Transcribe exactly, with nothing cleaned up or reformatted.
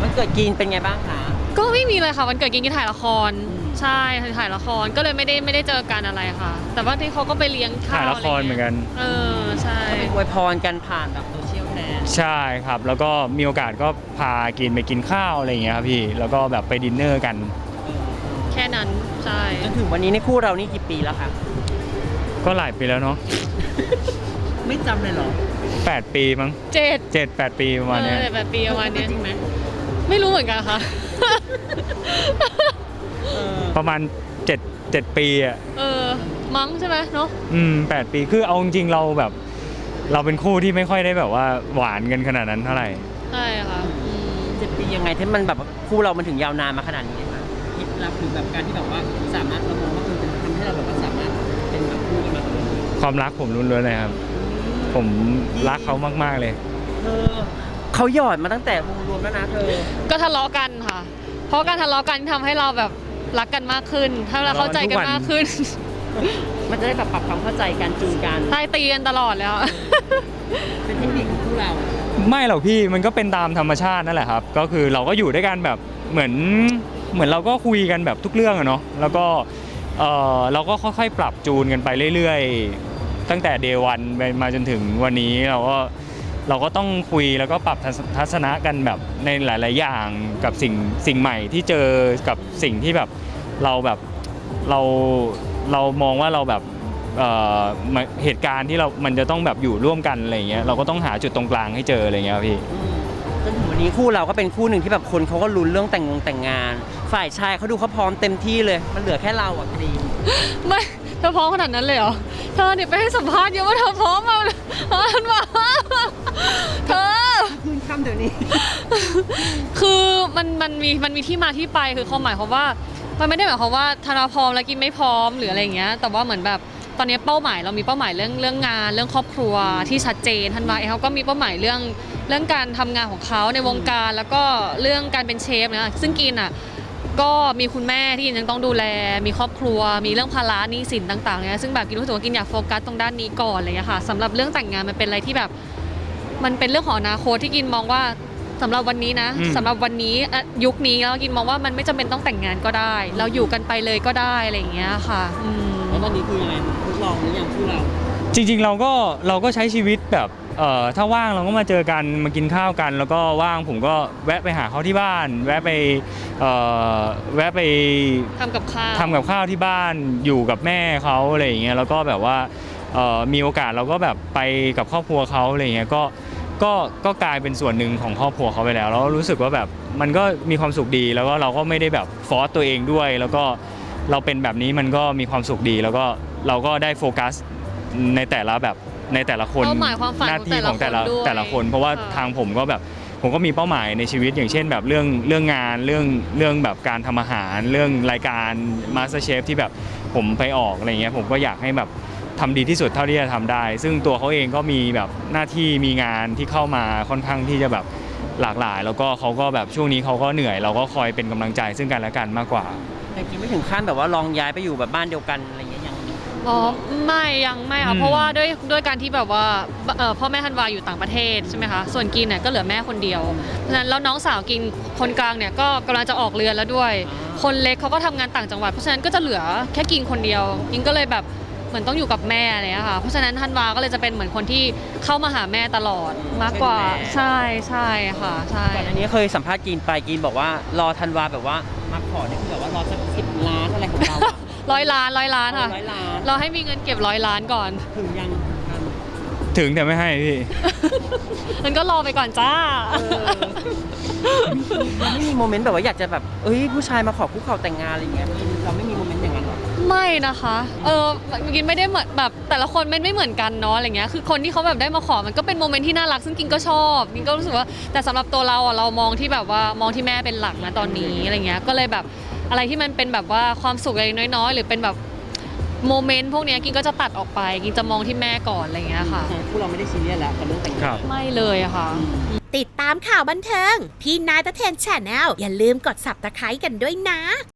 วันเกิดกินเป็นไงบ้างคะก็ไม่มีเลยค่ะวันเกิดกินกินถ่ายละครใช่ถ่ายละครก็เลยไม่ได้ไม่ได้เจอกันอะไรค่ะแต่ว่าที่เขาก็ไปเลี้ยงข้าวถ่ายละครเหมือนกันเออใช่อวยพรกันผ่านแบบโซเชียลแทนใช่ครับแล้วก็มีโอกาสก็พากินไปกินข้าวอะไรอย่างเงี้ยครับพี่แล้วก็แบบไปดินเนอร์กันแค่นั้นใช่จนถึงวันนี้ในคู่เรานี่กี่ปีแล้วคะก็หลายปีแล้วเนาะไม่จำเลยเหรอแปดปีมั้งเจ็ดเจ็ดแปดปีประมาณนี้แปดปีประมาณนี้จริงไหมไม่รู้เหมือนกันค่ะประมาณเจ็ดเจ็ดปีอ่ะเออมั้งใช่ไหมเนาะอืมแปดปีคือเอาจริงๆเราแบบเราเป็นคู่ที่ไม่ค่อยได้แบบว่าหวานกันขนาดนั้นเท่าไหร่ใช่ค่ะเจ็ดปียังไงที่มันแบบคู่เรามันถึงยาวนานมาขนาดนี้คะคิดรับหรือแบบการที่แบบว่าสามารถเรามองว่ามันทำให้เราแบบว่าสามารถเป็นแบบคู่กันมาความรักผมล้วนๆเลยครับผมรักเขามากๆเลยเธอเขาหยอดมาตั้งแต่วงรวมแล้วนะเธอก็ทะเลาะกันค่ะเพราะการทะเลาะกันทำให้เราแบบรักกันมากขึ้นทำให้เราเข้าใจกันมากขึ้นมันจะได้แบบปรับความเข้าใจกันจูนกันใช่ตีกันตลอดแล้วเป็นเทคนิคของพวกเราไม่หรอกพี่มันก็เป็นตามธรรมชาตินั่นแหละครับก็คือเราก็อยู่ด้วยกันแบบเหมือนเหมือนเราก็คุยกันแบบทุกเรื่องอะเนาะแล้วก็เออเราก็ค่อยๆปรับจูนกันไปเรื่อยๆตั้งแต่เดย์วันมาจนถึงวันนี้เราก็เราก็ต้องคุยแล้วก็ปรับทัศนะกันแบบในหลายๆอย่างกับสิ่งสิ่งใหม่ที่เจอกับสิ่งที่แบบเราแบบเราเรามองว่าเราแบบเอ่อเหตุการณ์ที่เรามันจะต้องแบบอยู่ร่วมกันอะไรเงี้ยเราก็ต้องหาจุดตรงกลางให้เจออะไรเงี้ยพี่จนถึงวันนี้คู่เราก็เป็นคู่หนึ่งที่แบบคนเขาก็ลุ้นเรื่องแต่งงแต่งงานฝ่ายชายเขาดูเขาพร้อมเต็มที่เลยมันเหลือแค่เราอ่ะคดีไม่เธอพร้อมขนาดนั้นเลยเหรอเธอเนี่ยไปให้สัมภาษณ์เยอะว่าเธอพร้อมมาอันว่าเธอคืนคำเดี๋ยวนี้คือมันมันมีมันมีที่มาที่ไปคือความหมายความว่ามันไม่ได้หมายความว่าธนาพร้อมแล้วกินไม่พร้อมหรืออะไรอย่างเงี้ยแต่ว่าเหมือนแบบตอนนี้เป้าหมายเรามีเป้าหมายเรื่องเรื่องงานเรื่องครอบครัวที่ชัดเจนทันวาเองเขาก็มีเป้าหมายเรื่องเรื่องการทำงานของเขาในวงการแล้วก็เรื่องการเป็นเชฟนะซึ่งกินอ่ะก็มีคุณแม่ที่ยังต้องดูแลมีครอบครัวมีเรื่องภาระหนี้สินต่างๆเนี่ยซึ่งแบบกินรู้สึกว่ากินอยากโฟกัสตรงด้านนี้ก่อนอะไรอย่างเงี้ยค่ะสำหรับเรื่องแต่งงานมันเป็นอะไรที่แบบมันเป็นเรื่องของอนาคตที่กินมองว่าสำหรับวันนี้นะสำหรับวันนี้ยุคนี้แล้วกินมองว่ามันไม่จำเป็นต้องแต่งงานก็ได้เราอยู่กันไปเลยก็ได้อะไรอย่างเงี้ยค่ะแล้วตอนนี้คือยังไงทดลองหรือยังคู่เราจริงๆเราก็เราก็ใช้ชีวิตแบบเอ่อถ้าว่างเราก็มาเจอกันมากินข้าวกันแล้วก็ว่างผมก็แวะไปหาเขาที่บ้านแวะไปเอ่อแวะไปทำกับข้าวทำกับข้าวที่บ้านอยู่กับแม่เขาอะไรอย่างเงี้ยแล้วก็แบบว่าเอ่อมีโอกาสเราก็แบบไปกับครอบครัวเขาอะไรอย่างเงี้ยก็ก็ก็กลายเป็นส่วนหนึ่งของครอบครัวเขาไปแล้วแล้วรู้สึกว่าแบบมันก็มีความสุขดีแล้วก็เราก็ไม่ได้แบบฟอร์สตัวเองด้วยแล้วก็เราเป็นแบบนี้มันก็มีความสุขดีแล้วก็เราก็ได้โฟกัสในแต่ละแบบในแต่ละคนหน้าที่ของแต่ละแต่ละคนเพราะว่าทางผมก็แบบผมก็มีเป้าหมายในชีวิตอย่างเช่นแบบเรื่องเรื่องงานเรื่องเรื่องแบบการทำอาหารเรื่องรายการ MasterChef ที่แบบผมไปออกอะไรเงี้ยผมก็อยากให้แบบทำดีที่สุดเท่าที่จะทำได้ซึ่งตัวเขาเองก็มีแบบหน้าที่มีงานที่เข้ามาค่อนข้างที่จะแบบหลากหลายแล้วก็เขาก็แบบช่วงนี้เขาก็เหนื่อยเราก็คอยเป็นกำลังใจซึ่งกันและกันมากกว่าแต่กินไม่ถึงขั้นแบบว่าลองย้ายไปอยู่แบบบ้านเดียวกันอะไรเงี้ยยังอ๋อไม่ยังไม่ค่ะเพราะว่าด้วยด้วยการที่แบบว่าพ่อแม่ธันวาอยู่ต่างประเทศใช่ไหมคะส่วนกินเนี่ยก็เหลือแม่คนเดียวเพราะฉะนั้นแล้วน้องสาวกินคนกลางเนี่ยก็กำลังจะออกเรือนแล้วด้วยคนเล็กเขาก็ทำงานต่างจังหวัดเพราะฉะนั้นก็จะเหลือแค่กินคนเดียวกินก็เลยแบบเหมือนต้องอยู่กับแม่อะไรเลยค่ะเพราะฉะนั้นธันวาก็เลยจะเป็นเหมือนคนที่เข้ามาหาแม่ตลอดมากกว่าใช่ใช่ค่ะใช่ก่อนอันนี้เคยสัมภาษณ์กินไปกินบอกว่ารอธันวาแบบว่ามาขอเนี่ยคือแบบว่ารอสักสิบล้านอะไรของเราร้อยล้านร้อยล้านค่ะร้อยล้านเราให้มีเงินเก็บร้อยล้านก่อนถึงยังถึงแต่ไม่ให้พี่มันก็รอไปก่อนจ้าไม่มีโมเมนต์แบบว่าอยากจะแบบเอ้ยผู้ชายมาขอคุกเข่าแต่งงานอะไรเงี้ยเราไม่มีโมเมนต์อย่างนั้นหรอไม่นะคะเออกินไม่ได้เหมือนแบบแต่ละคนไม่ไม่เหมือนกันเนาะอะไรเงี้ยคือคนที่เขาแบบได้มาขอมันก็เป็นโมเมนต์ที่น่ารักซึ่งกินก็ชอบกินก็รู้สึกว่าแต่สำหรับตัวเราอ่ะเรามองที่แบบว่ามองที่แม่เป็นหลักนะตอนนี้อะไรเงี้ยก็เลยแบบอะไรที่มันเป็นแบบว่าความสุขเล็กน้อยๆหรือเป็นแบบโมเมนต์พวกนี้กินก็จะตัดออกไปกินจะมองที่แม่ก่อนอะไรเงี้ยค่ะพวกเราไม่ได้ซีเรียสแล้วกับเรื่องแต่งงานไม่เลยอะค่ะติดตามข่าวบันเทิงพี่นายตะเทนแชนแนลอย่าลืมกด ซับสไครบ์ กันด้วยนะ